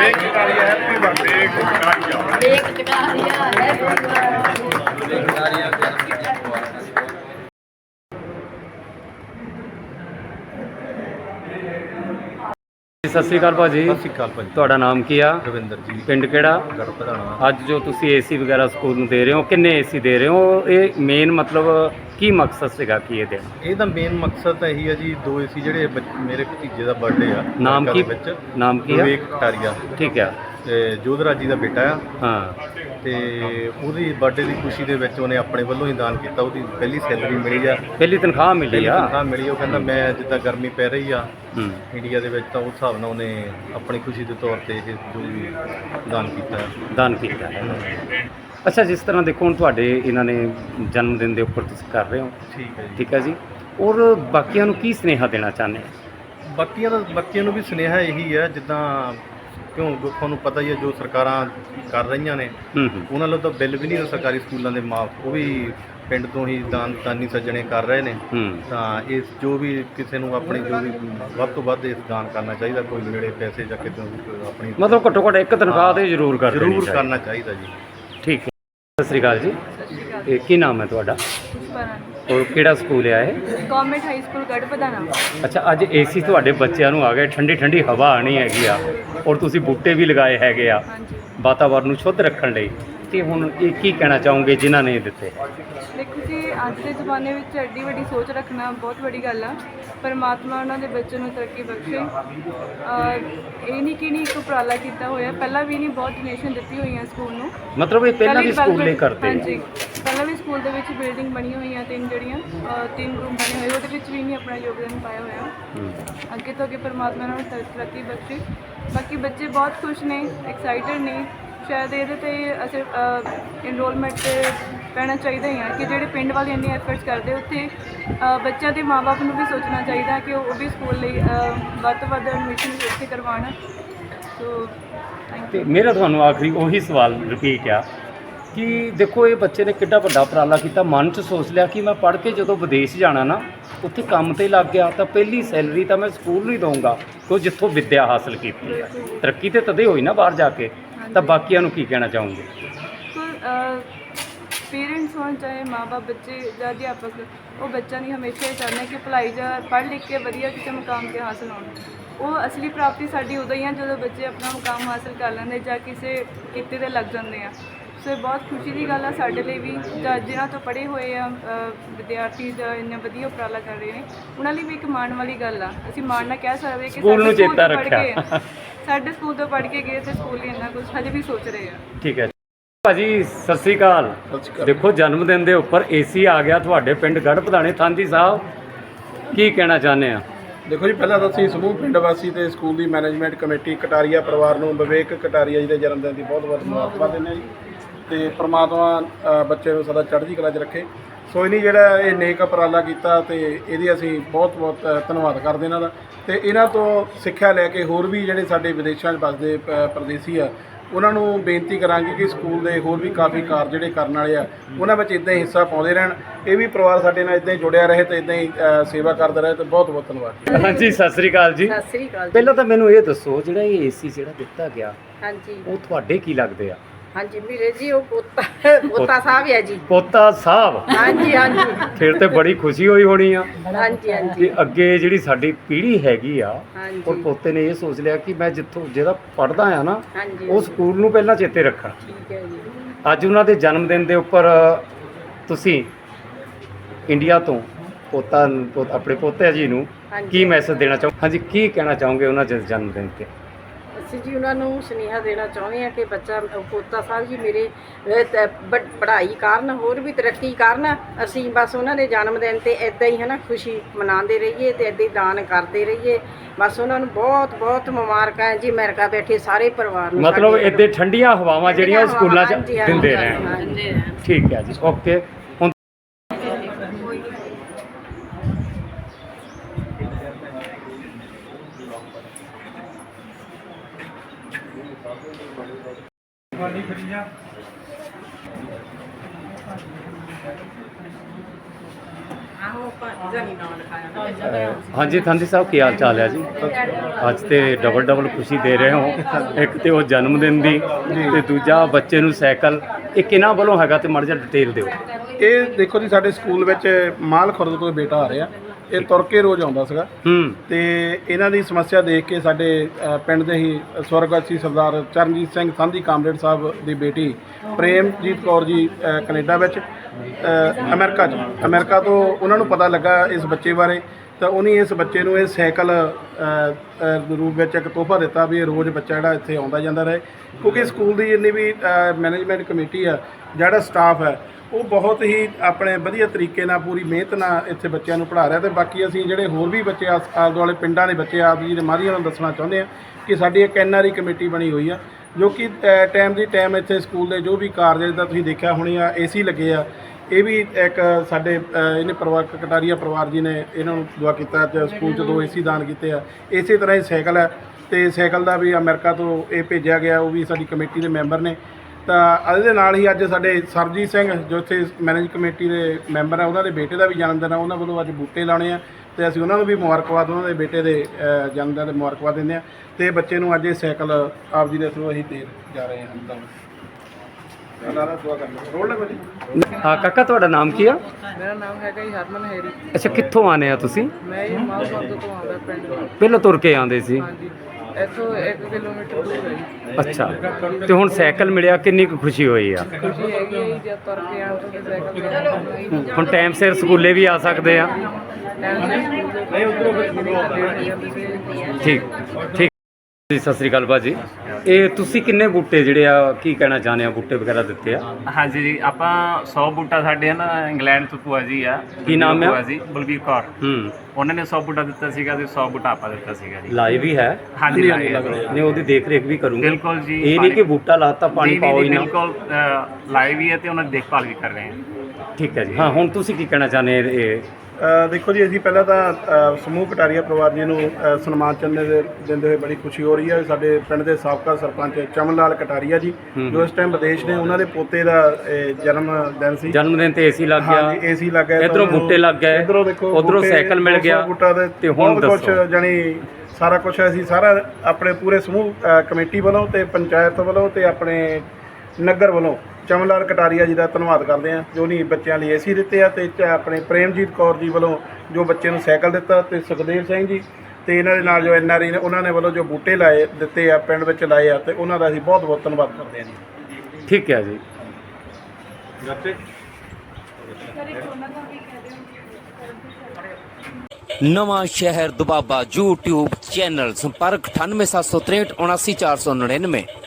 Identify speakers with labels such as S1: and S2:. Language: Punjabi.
S1: Birthday Kataria happy birthday Kataria
S2: ਦੇਖ ਕਟਾਰੀਆ
S3: ਸਤਿ ਸ਼੍ਰੀ ਅਕਾਲ ਭਾਜੀ।
S1: ਸਤਿ ਸ਼੍ਰੀ ਅਕਾਲ ਭਾਜੀ।
S3: ਤੁਹਾਡਾ ਨਾਮ ਕੀ ਆ?
S1: ਰਵਿੰਦਰ ਜੀ,
S3: ਪਿੰਡ ਕਿਹੜਾ?
S1: ਗੜ ਪ੍ਰਧਾਨਾ।
S3: ਅੱਜ ਜੋ ਤੁਸੀਂ ਏਸੀ ਵਗੈਰਾ ਸਕੂਲ ਨੂੰ ਦੇ ਰਹੇ ਹੋ, ਕਿੰਨੇ ਏਸੀ ਦੇ ਰਹੇ ਹੋ? ਇਹ ਮੇਨ ਮਤਲਬ ਕੀ ਮਕਸਦ ਸੀਗਾ ਕੀ ਇਹ ਦੇਣਾ?
S1: ਇਹਦਾ ਮੇਨ ਮਕਸਦ ਤਾਂ ਇਹੀ ਹੈ ਜੀ, 2 ਏਸੀ ਜਿਹੜੇ ਮੇਰੇ ਭਤੀਜੇ ਦਾ ਬਰਥਡੇ ਆ।
S3: ਨਾਮ ਕੀ? ਨਾਮ ਕੀ ਆ?
S1: ਵਿਵੇਕ ਕਟਾਰੀਆ।
S3: ਠੀਕ ਆ।
S1: ਤੇ ਜੋਧਰਾਜ ਜੀ ਦਾ ਬੇਟਾ ਆ।
S3: ਹਾਂ।
S1: ਤੇ ਉਹਦੀ ਬਰਥਡੇ ਦੀ ਖੁਸ਼ੀ ਦੇ ਵਿੱਚ ਉਹਨੇ ਆਪਣੇ ਵੱਲੋਂ ਹੀ ਦਾਨ ਕੀਤਾ। ਉਹਦੀ ਪਹਿਲੀ ਸੈਲਰੀ ਮਿਲੀ ਆ,
S3: ਪਹਿਲੀ ਤਨਖਾਹ ਮਿਲੀ ਆ।
S1: ਤਨਖਾਹ ਮਿਲੀ। ਉਹ ਕਹਿੰਦਾ ਮੈਂ ਜਿੱਦਾਂ ਗਰਮੀ ਪੈ ਰਹੀ ਆ ਇੰਡੀਆ ਦੇ ਵਿੱਚ, ਤਾਂ ਉਸ ਹਿਸਾਬ ਨਾਲ ਉਹਨੇ ਆਪਣੀ ਖੁਸ਼ੀ ਦੇ ਤੌਰ ਤੇ ਇਹ ਜੋ ਵੀ ਦਾਨ ਕੀਤਾ
S3: ਹੈ। ਅੱਛਾ, ਜਿਸ ਤਰ੍ਹਾਂ ਦੇਖੋ ਹੁਣ ਤੁਹਾਡੇ ਇਹਨਾਂ ਨੇ ਜਨਮ ਦਿਨ ਦੇ ਉੱਪਰ ਤੁਸੀਂ ਕਰ ਰਹੇ ਹੋ,
S1: ਠੀਕ ਹੈ ਜੀ।
S3: ਠੀਕ ਹੈ ਜੀ। ਔਰ ਬਾਕੀਆਂ ਨੂੰ ਕੀ ਸੁਨੇਹਾ ਦੇਣਾ ਚਾਹੁੰਦੇ ਆ?
S1: ਬਾਕੀਆਂ ਨੂੰ ਵੀ ਸੁਨੇਹਾ ਇਹੀ ਹੈ, ਜਿੱਦਾਂ ਕਿਉਂ ਤੁਹਾਨੂੰ ਪਤਾ ਹੀ ਹੈ ਜੋ ਸਰਕਾਰਾਂ ਕਰ ਰਹੀਆਂ ਨੇ, ਉਹਨਾਂ ਵੱਲੋਂ ਤਾਂ ਬਿੱਲ ਵੀ ਨਹੀਂ ਸਰਕਾਰੀ ਸਕੂਲਾਂ ਦੇ ਮਾਫ, ਉਹ ਵੀ ਪਿੰਡ ਤੋਂ ਹੀ ਦਾਨੀ ਸੱਜਣੇ ਕਰ ਰਹੇ ਨੇ। ਤਾਂ ਇਸ ਜੋ ਵੀ ਕਿਸੇ ਨੂੰ ਆਪਣੀ ਜੋ ਵੀ ਵੱਧ ਤੋਂ ਵੱਧ ਇਸ ਦਾਨ ਕਰਨਾ ਚਾਹੀਦਾ। ਕੋਈ ਨੇੜੇ ਪੈਸੇ ਜਾਂ ਕਿਤੇ ਆਪਣੀ
S3: ਮਤਲਬ ਘੱਟੋ ਘੱਟ ਇੱਕ ਤਨਖਾਹ ਤੇ ਜ਼ਰੂਰ
S1: ਕਰਨਾ ਚਾਹੀਦਾ ਜੀ।
S3: ਠੀਕ ਹੈ। ਸਤਿ ਸ਼੍ਰੀ ਅਕਾਲ ਜੀ। ਇਹ ਕੀ ਨਾਮ ਹੈ ਤੁਹਾਡਾ? ਔਰ ਕਿਹੜਾ ਸਕੂਲ ਹੈ ਇਹ?
S4: ਗਵਰਨਮੈਂਟ ਹਾਈ ਸਕੂਲ ਗੜ ਪ੍ਰਧਾਨਾ।
S3: ਅੱਛਾ, ਅੱਜ ਏਸੀ ਤੁਹਾਡੇ ਬੱਚਿਆਂ ਨੂੰ ਆ ਗਏ, ਠੰਡੀ ਠੰਡੀ ਹਵਾ ਆਣੀ ਹੈਗੀ ਆ, ਔਰ ਤੁਸੀਂ ਬੂਟੇ ਵੀ ਲਗਾਏ ਹੈਗੇ ਆ ਵਾਤਾਵਰਨ ਨੂੰ ਸ਼ੁੱਧ ਰੱਖਣ ਲਈ, ਤੇ ਹੁਣ ਇਹ ਕੀ ਕਹਿਣਾ ਚਾਹੋਗੇ ਜਿਨ੍ਹਾਂ ਨੇ ਦਿੱਤੇ?
S4: ਦੇਖੋ ਜੀ, ਅੱਜ ਦੇ ਜ਼ਮਾਨੇ ਵਿੱਚ ਐਡੀ ਵੱਡੀ ਸੋਚ ਰੱਖਣਾ ਬਹੁਤ ਵੱਡੀ ਗੱਲ ਆ। ਪਰਮਾਤਮਾ ਉਹਨਾਂ ਦੇ ਬੱਚੇ ਨੂੰ ਤਰੱਕੀ ਬਖਸ਼ੇ। ਇਹ ਨਹੀਂ ਕਿ ਇੱਕ ਉਪਰਾਲਾ ਕੀਤਾ ਹੋਇਆ, ਪਹਿਲਾਂ ਵੀ ਨਹੀਂ ਬਹੁਤ ਡੋਨੇਸ਼ਨ ਦਿੱਤੀ ਹੋਈਆਂ ਸਕੂਲ ਨੂੰ।
S3: ਮਤਲਬ ਇਹ ਪਹਿਲਾਂ ਵੀ ਸਕੂਲ ਲਈ ਕਰਦੇ?
S4: ਹਾਂਜੀ, ਪਹਿਲਾਂ ਵੀ ਸਕੂਲ ਦੇ ਵਿੱਚ ਬਿਲਡਿੰਗ ਬਣੀ ਹੋਈਆਂ, 3 ਰੂਮ ਬਣੇ ਹੋਏ, ਉਹਦੇ ਵਿੱਚ ਵੀ ਨਹੀਂ ਆਪਣਾ ਯੋਗਦਾਨ ਪਾਇਆ ਹੋਇਆ। ਅੱਗੇ ਤੋਂ ਅੱਗੇ ਪਰਮਾਤਮਾ ਉਹਨਾਂ ਨੂੰ ਤਰੱਕੀ ਬਖਸ਼ੇ। ਬਾਕੀ ਬੱਚੇ ਬਹੁਤ ਖੁਸ਼ ਨੇ, ਐਕਸਾਈਟਡ ਨੇ। ਸ਼ਾਇਦ ਇਹਦੇ 'ਤੇ ਅਸੀਂ ਇਨਰੋਲਮੈਂਟ 'ਤੇ ਪੈਣਾ ਚਾਹੀਦਾ ਹੀ ਆ ਕਿ ਜਿਹੜੇ ਪਿੰਡ ਵਾਲੇ ਇੰਨੇ ਐਫਰਟਸ ਕਰਦੇ, ਉੱਥੇ ਬੱਚਿਆਂ ਦੇ ਮਾਂ-ਬਾਪ ਨੂੰ ਵੀ ਸੋਚਣਾ ਚਾਹੀਦਾ ਕਿ ਉਹ ਵੀ ਸਕੂਲ ਲਈ ਵੱਧ ਤੋਂ ਵੱਧ ਐਡਮਿਸ਼ਨ ਉੱਥੇ ਕਰਵਾਉਣ। ਸੋ
S3: ਤੇ ਮੇਰਾ ਤੁਹਾਨੂੰ ਆਖਰੀ ਉਹੀ ਸਵਾਲ ਰਿਪੀਟ ਆ ਕਿ ਦੇਖੋ ਇਹ ਬੱਚੇ ਨੇ ਕਿੱਡਾ ਵੱਡਾ ਉਪਰਾਲਾ ਕੀਤਾ, ਮਨ 'ਚ ਸੋਚ ਲਿਆ ਕਿ ਮੈਂ ਪੜ੍ਹ ਕੇ ਜਦੋਂ ਵਿਦੇਸ਼ ਜਾਣਾ ਨਾ, ਉੱਥੇ ਕੰਮ 'ਤੇ ਲੱਗ ਗਿਆ ਤਾਂ ਪਹਿਲੀ ਸੈਲਰੀ ਤਾਂ ਮੈਂ ਸਕੂਲ ਨੂੰ ਹੀ ਦਊਂਗਾ, ਕਿਉਂ ਜਿੱਥੋਂ ਵਿੱਦਿਆ ਹਾਸਲ ਕੀਤੀ ਹੈ। ਤਰੱਕੀ ਤਾਂ ਤਦੇ ਹੋਈ ਨਾ ਬਾਹਰ ਜਾ ਕੇ। ਤਾਂ ਬਾਕੀਆਂ ਨੂੰ ਕੀ ਕਹਿਣਾ ਚਾਹੋਗੇ?
S4: ਪੇਰੈਂਟਸ ਹੋਣ, ਚਾਹੇ ਮਾਂ-ਬਾਪ, ਬੱਚੇ ਜਾਂ ਅਧਿਆਪਕ, ਉਹ ਬੱਚਾ ਨਹੀਂ ਹਮੇਸ਼ਾ ਇਹ ਚਾਹੁੰਦੇ ਕਿ ਭਲਾਈ ਜਾਂ ਪੜ੍ਹ ਲਿਖ ਕੇ ਵਧੀਆ ਕਿਸੇ ਮੁਕਾਮ 'ਤੇ ਹਾਸਲ ਹੋਣ। ਉਹ ਅਸਲੀ ਪ੍ਰਾਪਤੀ ਸਾਡੀ ਉਦੋਂ ਹੀ ਆ ਜਦੋਂ ਬੱਚੇ ਆਪਣਾ ਮੁਕਾਮ ਹਾਸਲ ਕਰ ਲੈਂਦੇ ਜਾਂ ਕਿਸੇ ਕਿੱਤੇ 'ਤੇ ਲੱਗ ਜਾਂਦੇ ਆ। ਸੋ ਇਹ ਬਹੁਤ ਖੁਸ਼ੀ ਦੀ ਗੱਲ ਆ ਸਾਡੇ ਲਈ ਵੀ, ਜਾਂ ਜਿਹਨਾਂ ਤੋਂ ਪੜ੍ਹੇ ਹੋਏ ਆ ਵਿਦਿਆਰਥੀ ਜਾਂ ਇੰਨਾ ਵਧੀਆ ਉਪਰਾਲਾ ਕਰ ਰਹੇ ਨੇ, ਉਹਨਾਂ ਲਈ ਵੀ ਇੱਕ ਮਾਣ ਵਾਲੀ ਗੱਲ ਆ। ਅਸੀਂ ਮਾਣ ਨਾਲ ਕਹਿ ਸਕਦੇ ਕਿ
S3: ਸਕੂਲ ਨੂੰ ਚੇਤਾ ਰੱਖਿਆ,
S4: ਸਾਡੇ ਸਕੂਲ ਤੋਂ ਪੜ੍ਹ ਕੇ ਗਏ ਤੇ ਸਕੂਲ ਹੀ ਇੰਨਾ ਕੁਝ ਹਜੇ ਵੀ ਸੋਚ ਰਹੇ ਆ।
S3: ਠੀਕ ਹੈ ਭਾਜੀ, ਸਤਿ ਸ਼੍ਰੀ ਅਕਾਲ। ਦੇਖੋ ਜਨਮ ਦਿਨ ਦੇ ਉੱਪਰ ਏਸੀ ਆ ਗਿਆ ਤੁਹਾਡੇ ਪਿੰਡ ਗੜ ਪ੍ਰਧਾਨੇ ਥਾਂਦੀ ਸਾਹਿਬ, ਕੀ ਕਹਿਣਾ ਚਾਹੁੰਦੇ ਆ?
S5: ਦੇਖੋ ਜੀ, ਪਹਿਲਾਂ ਤਾਂ ਅਸੀਂ ਸਮੂਹ ਪਿੰਡ ਵਾਸੀ ਤੇ ਸਕੂਲ ਦੀ ਮੈਨੇਜਮੈਂਟ ਕਮੇਟੀ ਕਟਾਰੀਆ ਪਰਿਵਾਰ ਨੂੰ ਵਿਵੇਕ ਕਟਾਰੀਆ ਜੀ ਦੇ ਜਨਮ ਦਿਨ ਦੀ ਬਹੁਤ ਬਹੁਤ ਮੁਬਾਰਕਬਾਦ ਦਿੰਦੇ ਹਾਂ ਜੀ। ਤੇ ਪ੍ਰਮਾਤਮਾ ਬੱਚੇ ਨੂੰ ਸਦਾ ਚੜ੍ਹਦੀ ਕਲਾ 'ਚ ਰੱਖੇ। ਸੋ ਇਹਨੇ ਜਿਹੜਾ ਇਹ ਨੇਕ ਉਪਰਾਲਾ ਕੀਤਾ ਤੇ ਇਹਦੀ ਅਸੀਂ ਬਹੁਤ ਬਹੁਤ ਧੰਨਵਾਦ ਕਰਦੇ ਇਹਨਾਂ ਦਾ। ਤੇ ਇਹਨਾਂ ਤੋਂ ਸਿੱਖਿਆ ਲੈ ਕੇ ਹੋਰ ਵੀ ਜਿਹੜੇ ਸਾਡੇ ਵਿਦੇਸ਼ਾਂ 'ਚ ਵੱਸਦੇ ਪ੍ਰਦੇਸੀ ਆ, ਉਹਨਾਂ ਨੂੰ ਬੇਨਤੀ ਕਰਾਂਗੇ ਕਿ ਸਕੂਲ ਦੇ ਹੋਰ ਵੀ ਕਾਫੀ ਕਾਰਜ ਜਿਹੜੇ ਕਰਨ ਵਾਲੇ ਆ, ਉਹਨਾਂ ਵਿੱਚ ਇੱਦਾਂ ਹੀ ਹਿੱਸਾ ਪਾਉਂਦੇ ਰਹਿਣ। ਇਹ ਵੀ ਪਰਿਵਾਰ ਸਾਡੇ ਨਾਲ ਇੱਦਾਂ ਹੀ ਜੁੜਿਆ ਰਹੇ ਤੇ ਇੱਦਾਂ ਹੀ ਸੇਵਾ ਕਰਦਾ ਰਹੇ। ਤੇ ਬਹੁਤ ਬਹੁਤ ਧੰਨਵਾਦ।
S3: ਹਾਂਜੀ, ਸਤਿ ਸ਼੍ਰੀ ਅਕਾਲ ਜੀ।
S2: ਸਤਿ ਸ੍ਰੀ ਅਕਾਲ।
S3: ਪਹਿਲਾਂ ਤਾਂ ਮੈਨੂੰ ਇਹ ਦੱਸੋ, ਜਿਹੜਾ ਇਹ ਏਸੀ ਜਿਹੜਾ ਦਿੱਤਾ ਗਿਆ,
S2: ਹਾਂਜੀ,
S3: ਉਹ ਤੁਹਾਡੇ ਕੀ ਲੱਗਦੇ ਆ?
S2: ਹਾਂਜੀ ਵੀਰੇ ਜੀ, ਉਹ ਪੋਤਾ ਸਾਹਿਬ ਹੈ ਜੀ।
S3: ਪੋਤਾ ਸਾਹਿਬ?
S2: ਹਾਂਜੀ ਹਾਂਜੀ।
S3: ਫਿਰ ਤੇ ਬੜੀ ਖੁਸ਼ੀ ਹੋਈ ਹੋਣੀ ਆ।
S2: ਹਾਂਜੀ ਹਾਂਜੀ।
S3: ਤੇ ਅੱਗੇ ਜਿਹੜੀ ਸਾਡੀ ਪੀੜ੍ਹੀ ਹੈਗੀ ਆ,
S2: ਹਾਂਜੀ।
S3: ਉਹ ਪੋਤੇ ਨੇ ਇਹ ਸੋਚ ਲਿਆ ਕਿ ਮੈਂ ਜਿੱਥੋਂ ਜਿਹਦਾ ਪੜ੍ਹਦਾ ਆ ਨਾ,
S2: ਹਾਂਜੀ,
S3: ਉਹ ਸਕੂਲ ਨੂੰ ਪਹਿਲਾਂ ਚੇਤੇ ਰੱਖਣਾ।
S2: ਠੀਕ ਹੈ ਜੀ।
S3: ਅੱਜ ਉਹਨਾਂ ਦੇ ਜਨਮ ਦਿਨ ਦੇ ਉੱਪਰ ਤੁਸੀਂ ਇੰਡੀਆ ਤੋਂ ਆਪਣੇ ਪੋਤੇ ਜੀ ਨੂੰ ਕੀ ਮੈਸੇਜ ਦੇਣਾ ਚਾਹੋ? ਹਾਂਜੀ, ਕੀ ਕਹਿਣਾ ਚਾਹੋਗੇ ਉਹਨਾਂ ਦੇ ਜਨਮ ਦਿਨ 'ਤੇ?
S2: ਅਸੀਂ ਜੀ ਉਹਨਾਂ ਨੂੰ ਸੁਨੇਹਾ ਦੇਣਾ ਚਾਹੁੰਦੇ ਹਾਂ ਕਿ ਬੱਚਾ ਪੋਤਾ ਸਾਹਿਬ ਜੀ ਮੇਰੇ ਪੜ੍ਹਾਈ ਕਾਰਨ, ਹੋਰ ਵੀ ਤਰੱਕੀ ਕਾਰਨ, ਅਸੀਂ ਬਸ ਉਹਨਾਂ ਦੇ ਜਨਮ ਦਿਨ 'ਤੇ ਇੱਦਾਂ ਹੀ ਹੈ ਨਾ ਖੁਸ਼ੀ ਮਨਾਉਂਦੇ ਰਹੀਏ ਤੇ ਇੱਦਾਂ ਹੀ ਦਾਨ ਕਰਦੇ ਰਹੀਏ। ਬਸ ਉਹਨਾਂ ਨੂੰ ਬਹੁਤ ਬਹੁਤ ਮੁਬਾਰਕਾਂ ਜੀ, ਅਮਰੀਕਾ ਬੈਠੇ ਸਾਰੇ ਪਰਿਵਾਰ ਨੂੰ।
S3: ਮਤਲਬ ਇੱਦਾਂ ਠੰਡੀਆਂ ਹਵਾਵਾਂ ਜਿਹੜੀਆਂ ਸਕੂਲਾਂ 'ਚ ਦਿੰਦੇ ਰਹਿਣ। ਠੀਕ ਹੈ ਜੀ, ਓਕੇ। ਹਾਂਜੀ ਥਾਂਦੀ ਸਾਹਿਬ ਕੀ ਹਾਲ ਚਾਲ ਹੈ ਜੀ? ਅੱਜ ਤੇ ਡਬਲ ਖੁਸ਼ੀ ਦੇ ਰਹੇ ਹੋ, ਇੱਕ ਤੇ ਉਹ ਜਨਮ ਦਿਨ ਦੀ ਤੇ ਦੂਜਾ ਬੱਚੇ ਨੂੰ ਸਾਈਕਲ। ਇਹ ਕਿਹਨਾਂ ਵੱਲੋਂ ਹੈਗਾ ਤੇ ਮਾੜਾ ਜਿਹਾ ਡਿਟੇਲ ਦਿਓ।
S5: ਇਹ ਦੇਖੋ ਜੀ, ਸਾਡੇ ਸਕੂਲ ਵਿੱਚ ਮਾਲ ਖੁਰਦ ਤੋਂ ਬੇਟਾ ਆ ਰਿਹਾ, ਇਹ ਤੁਰ ਕੇ ਰੋਜ਼ ਆਉਂਦਾ ਸੀਗਾ ਤੇ ਇਹਨਾਂ ਦੀ ਸਮੱਸਿਆ ਦੇਖ ਕੇ ਸਾਡੇ ਪਿੰਡ ਦੇ ਹੀ ਸਵਰਗਵਾਸੀ ਸਰਦਾਰ ਚਰਨਜੀਤ ਸਿੰਘ ਸੰਧੀ ਕਾਮਰੇਡ ਸਾਹਿਬ ਦੀ ਬੇਟੀ ਪ੍ਰੇਮਜੀਤ ਕੌਰ ਜੀ ਕੈਨੇਡਾ ਵਿੱਚ ਅਮਰੀਕਾ ਤੋਂ ਉਹਨਾਂ ਨੂੰ ਪਤਾ ਲੱਗਾ ਇਸ ਬੱਚੇ ਬਾਰੇ, ਤਾਂ ਉਹਨੇ ਇਸ ਬੱਚੇ ਨੂੰ ਇਹ ਸਾਈਕਲ ਦੇ ਰੂਪ ਵਿੱਚ ਇੱਕ ਤੋਹਫਾ ਦਿੱਤਾ ਵੀ ਇਹ ਰੋਜ਼ ਬੱਚਾ ਜਿਹੜਾ ਇੱਥੇ ਆਉਂਦਾ ਜਾਂਦਾ ਰਹੇ, ਕਿਉਂਕਿ ਸਕੂਲ ਦੀ ਜਿੰਨੀ ਵੀ ਮੈਨੇਜਮੈਂਟ ਕਮੇਟੀ ਆ, ਜਿਹੜਾ ਸਟਾਫ ਹੈ ਉਹ ਬਹੁਤ ਹੀ ਆਪਣੇ ਵਧੀਆ ਤਰੀਕੇ ਨਾਲ ਪੂਰੀ ਮਿਹਨਤ ਨਾਲ ਇੱਥੇ ਬੱਚਿਆਂ ਨੂੰ ਪੜ੍ਹਾ ਰਿਹਾ। ਤੇ ਬਾਕੀ ਅਸੀਂ ਜਿਹੜੇ ਹੋਰ ਵੀ ਬੱਚੇ ਆਲੇ ਦੁਆਲੇ ਪਿੰਡਾਂ ਦੇ ਬੱਚੇ ਆਪ ਜੀ ਦੇ ਮਾਧਿਅਮ ਨਾਲ ਦੱਸਣਾ ਚਾਹੁੰਦੇ ਹਾਂ ਕਿ ਸਾਡੀ ਇੱਕ NRI ਕਮੇਟੀ ਬਣੀ ਹੋਈ ਆ, ਜੋ ਕਿ ਟਾਈਮ ਦੀ ਟਾਈਮ ਇੱਥੇ ਸਕੂਲ ਦੇ ਜੋ ਵੀ ਕਾਰਜ ਜਿੱਦਾਂ ਤੁਸੀਂ ਦੇਖਿਆ ਹੋਣੀ ਆ, AC ਲੱਗੇ ਆ, ਇਹ ਵੀ ਇੱਕ ਸਾਡੇ ਇਹਨੇ ਪਰਿਵਾਰ ਕਟਾਰੀਆ ਪਰਿਵਾਰ ਜੀ ਨੇ ਇਹਨਾਂ ਨੂੰ ਦੁਆ ਕੀਤਾ ਤੇ ਸਕੂਲ 'ਚ 2 AC ਦਾਨ ਕੀਤੇ ਆ। ਇਸੇ ਤਰ੍ਹਾਂ ਹੀ ਸਾਈਕਲ ਹੈ ਤੇ ਸਾਈਕਲ ਦਾ ਵੀ ਅਮਰੀਕਾ ਤੋਂ ਇਹ ਭੇਜਿਆ ਗਿਆ, ਉਹ ਵੀ ਸਾਡੀ ਕਮੇਟੀ ਦੇ ਮੈਂਬਰ ਨੇ। ਤਾਂ ਇਹਦੇ ਨਾਲ ਹੀ ਅੱਜ ਸਾਡੇ ਸਰਜੀਤ ਸਿੰਘ ਜੋ ਇੱਥੇ ਮੈਨੇਜ ਕਮੇਟੀ ਦੇ ਮੈਂਬਰ ਆ, ਉਹਨਾਂ ਦੇ ਬੇਟੇ ਦਾ ਵੀ ਜਨਮ ਦਿਨ ਆ, ਉਹਨਾਂ ਵੱਲੋਂ ਅੱਜ ਬੂਟੇ ਲਾਉਣੇ ਆ ਤੇ ਅਸੀਂ ਉਹਨਾਂ ਨੂੰ ਵੀ ਮੁਬਾਰਕਬਾਦ, ਉਹਨਾਂ ਦੇ ਬੇਟੇ ਦੇ ਜਨਮ ਦਿਨ ਦੇ ਮੁਬਾਰਕਬਾਦ ਦਿੰਦੇ ਆ। ਤੇ ਬੱਚੇ ਨੂੰ ਅੱਜ ਇਹ ਸਾਈਕਲ ਆਪ ਜੀ ਦੇ ਥਰੂ ਅਸੀਂ ਦੇ ਜਾ ਰਹੇ ਹਾਂ।
S3: ਹਾਂ ਕਾਕਾ, ਤੁਹਾਡਾ ਨਾਮ ਕੀ ਆ?
S6: ਮੇਰਾ ਨਾਮ ਹੈਗਾ ਜੀ ਹਰਮਨ ਹੈਰੀ।
S3: ਅੱਛਾ, ਕਿੱਥੋਂ ਆਨੇ ਆ ਤੁਸੀਂ?
S6: ਮੈਂ ਜੀ ਮਾਲਪੁਰ ਤੋਂ ਆਉਂਦਾ ਪਿੰਡ।
S3: ਪਹਿਲਾਂ ਤੁਰ ਕੇ ਆਉਂਦੇ ਸੀ?
S6: ਹਾਂਜੀ, ਇੱਥੋਂ 1 ਕਿਲੋਮੀਟਰ ਦੂਰ ਹੈ ਜੀ।
S3: ਅੱਛਾ, ਤੇ ਹੁਣ ਸਾਈਕਲ ਮਿਲਿਆ, ਕਿੰਨੀ ਕੁ ਖੁਸ਼ੀ ਹੋਈ ਆ?
S6: ਖੁਸ਼ੀ ਹੈਗੀ ਹੈ ਜੀ, ਜਦ ਤੁਰ ਕੇ ਆਉਂ ਤਾਂ ਸਾਈਕਲ ਤੇ ਆਉਂ।
S3: ਹੁਣ ਟਾਈਮ ਸਿਰ ਸਕੂਲੇ ਵੀ ਆ ਸਕਦੇ ਆ? ਠੀਕ ਠੀਕ ਜੀ। ਸਤਿ ਸ੍ਰੀ ਅਕਾਲ ਭਾਜੀ। ਇਹ ਤੁਸੀਂ ਕਿੰਨੇ ਬੂਟੇ ਜਿਹੜੇ ਆ, ਕੀ ਕਹਿਣਾ ਚਾਹੁੰਦੇ ਆ, ਬੂਟੇ ਵਗੈਰਾ ਦਿੱਤੇ ਆ?
S7: ਹਾਂਜੀ ਜੀ, ਆਪਾਂ 100 ਬੂਟਾ ਸਾਡੇ ਹੈ ਨਾ ਇੰਗਲੈਂਡ ਤੋਂ ਭੂਆ ਜੀ ਆ।
S3: ਕੀ ਨਾਮ ਹੈ?
S7: ਭੂਆ ਜੀ ਬਲਬੀਰ ਕੌਰ। ਉਹਨਾਂ ਨੇ 100 ਬੂਟਾ ਦਿੱਤਾ ਸੀਗਾ ਤੇ 100 ਬੂਟਾ ਆਪਾਂ ਦਿੱਤਾ ਸੀਗਾ ਜੀ।
S3: ਲਾਏ ਵੀ ਹੈ?
S7: ਹਾਂਜੀ ਲਾਏ
S3: ਨੇ, ਉਹਦੀ ਦੇਖ ਰੇਖ ਵੀ ਕਰੂੰਗੇ।
S7: ਬਿਲਕੁਲ ਜੀ।
S3: ਇਹ ਨਹੀਂ ਕਿ ਬੂਟਾ ਲਾਤਾ ਪਾਣੀ ਪਾਓ ਹੀ ਨਾ।
S7: ਬਿਲਕੁਲ ਲਾਏ ਵੀ ਹੈ ਤੇ ਉਹਨਾਂ ਦੀ ਦੇਖਭਾਲ ਵੀ ਕਰ ਰਹੇ ਹਾਂ।
S3: ਠੀਕ ਹੈ ਜੀ। ਹਾਂ, ਹੁਣ ਤੁਸੀਂ ਕੀ ਕਹਿਣਾ ਚਾਹੁੰਦੇ ਇਹ?
S5: ਦੇਖੋ ਜੀ, ਅਸੀਂ ਪਹਿਲਾਂ ਤਾਂ ਸਮੂਹ ਕਟਾਰੀਆ ਪਰਿਵਾਰ ਜੀ ਨੂੰ ਸਨਮਾਨ ਚੰਨੇ ਦਿੰਦੇ ਹੋਏ ਬੜੀ ਖੁਸ਼ੀ ਹੋ ਰਹੀ ਹੈ। ਸਾਡੇ ਪਿੰਡ ਦੇ ਸਾਬਕਾ ਸਰਪੰਚ ਚਮਨ ਲਾਲ ਕਟਾਰੀਆ ਜੀ, ਜੋ ਇਸ ਟਾਈਮ ਵਿਦੇਸ਼ ਨੇ, ਉਹਨਾਂ ਦੇ ਪੋਤੇ ਦਾ ਜਨਮ ਦਿਨ ਸੀ।
S3: ਜਨਮ ਦਿਨ ਤੇ AC ਲੱਗ ਗਿਆ?
S5: ਹਾਂਜੀ, AC ਲੱਗ ਗਿਆ।
S3: ਇਧਰੋਂ ਬੂਟੇ ਲੱਗ ਗਏ,
S5: ਇਧਰੋਂ ਦੇਖੋ,
S3: ਉਧਰੋਂ ਸਾਈਕਲ ਮਿਲ ਗਿਆ ਤੇ ਹੁਣ ਦੱਸੋ।
S5: ਜਾਣੀ ਸਾਰਾ ਕੁਝ ਅਸੀਂ ਸਾਰਾ ਆਪਣੇ ਪੂਰੇ ਸਮੂਹ ਕਮੇਟੀ ਵੱਲੋਂ ਤੇ ਪੰਚਾਇਤ ਵੱਲੋਂ ਤੇ ਆਪਣੇ ਨਗਰ ਵੱਲੋਂ ਚਮਨ ਲਾਲ ਕਟਾਰੀਆ ਜੀ ਦਾ ਧੰਨਵਾਦ ਕਰਦੇ ਹਾਂ, ਜੋ ਨਹੀਂ ਬੱਚਿਆਂ ਲਈ AC ਦਿੱਤੇ ਆ, ਤੇ ਆਪਣੇ ਪ੍ਰੇਮਜੀਤ ਕੌਰ ਜੀ ਵੱਲੋਂ ਜੋ ਬੱਚੇ ਨੂੰ ਸਾਈਕਲ ਦਿੱਤਾ, ਤੇ ਸੁਖਦੇਵ ਸਿੰਘ ਜੀ ਤੇ ਇਹਨਾਂ ਦੇ ਨਾਲ ਜੋ NRI ਨੇ, ਉਹਨਾਂ ਨੇ ਵੱਲੋਂ ਜੋ ਬੂਟੇ ਲਾਏ ਦਿੱਤੇ ਆ, ਪਿੰਡ ਵਿੱਚ ਲਾਏ ਆ, ਤੇ ਉਹਨਾਂ ਦਾ ਅਸੀਂ ਬਹੁਤ ਬਹੁਤ ਧੰਨਵਾਦ ਕਰਦੇ ਹਾਂ ਜੀ।
S3: ਠੀਕ ਹੈ ਜੀ।
S8: ਨਵਾਂ ਸ਼ਹਿਰ ਦੁਬਾਬਾ YouTube ਚੈਨਲ। ਸੰਪਰਕ 9876379499।